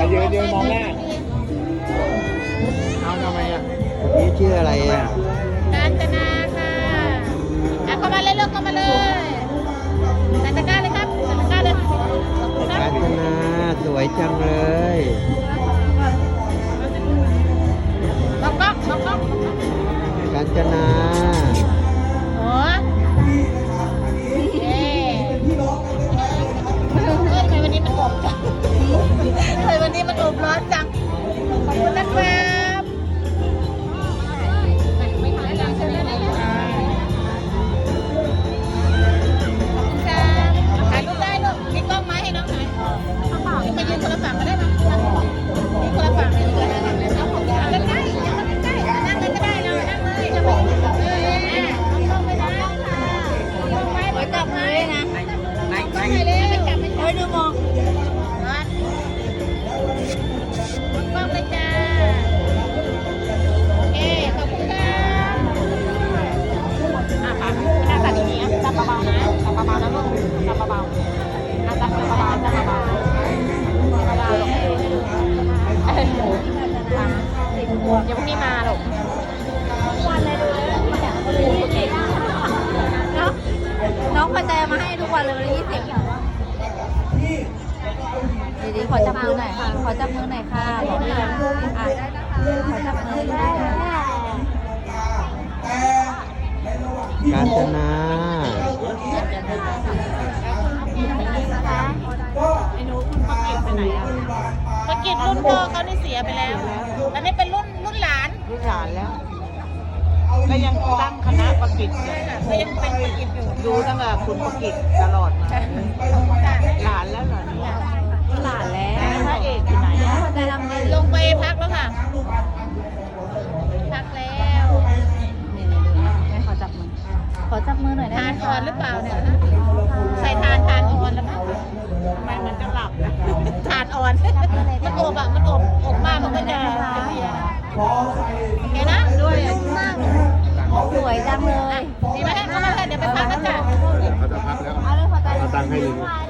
ยืนมองหน้าเอาทำไมอ่ะนี่ชื่ออะไรอ่ะกาญจนาค่ะเข้ามาเลยลูกเข้ามาเลยใส่ตะกร้าเลยครับใส่ตะกร้าเลยกาญจนาสวยจังเลยก๊อกก๊อกก๊อกก๊อกกาญจนาโอ้ทำไมวันนี้มันอบจังทำไมวันนี้มันอบร้อนจังขอบคุณนะครับไม่ถ่ายดังใช่ไหมถ่ายรูปได้ลูกมีกล้องไหมให้น้องหน่อยมายืนคนละฝั่งก็ได้ไหมยืนคนละฝั่งเลยนั่งได้นั่งได้นั่งเลยก็ได้เรานั่งเลยจะบอกกล้องไปนะกล้องไว้ไว้จับมือนะกล้องไปเลยจับไปเฮ้ยดูมองกล้องเลยจ้าโอเคขอบคุณค่ะค่ะหน้าตาดีๆจับเบาๆนะจับเบาๆนะลูกจับเบาๆจับเบาๆจับเบาๆจับเบาๆเดี๋ยวพรุ่งนี้มาลูกวันเลยดูน้องพอใจมาให้ทุกวันเลย20ดีๆขอจับมือหน่อยค่ะขอจับมือหน่อยค่ะบอกเลยขอจับมือได้กาญจนาไอ้หนูคุณประกิตไปไหนอ่ะประกิตรุ่นพ่อเขานี่เสียไปแล้วอันนี้เป็นรุ่นหลานแล้วก็ยังตั้งคณะประกิตก็ยังเป็นประกิตอยู่ดูตั้งแต่คุณประกิตตลอดมาหลานแล้วเหรอเนี่ยหลานแล้วพระเอกอยู่ไหนอ่ะลงไปพักแล้วค่ะพักแล้วขอจับมือหน่อยได้ทานอ่อนหรือเปล่าเนี่ยใส่ทานอ่อนแล้วมั้งทำไมมันจะหลับนะทานอ่อนมันอบอ่ะมันอบมากมันก็จะเพียโอเคนะด้วยสวยจังเลยดีไหมเข้ามาเถอะเดี๋ยวไปพักกันจ้ะเขาจะพักแล้วเอาตังค์ให้เลย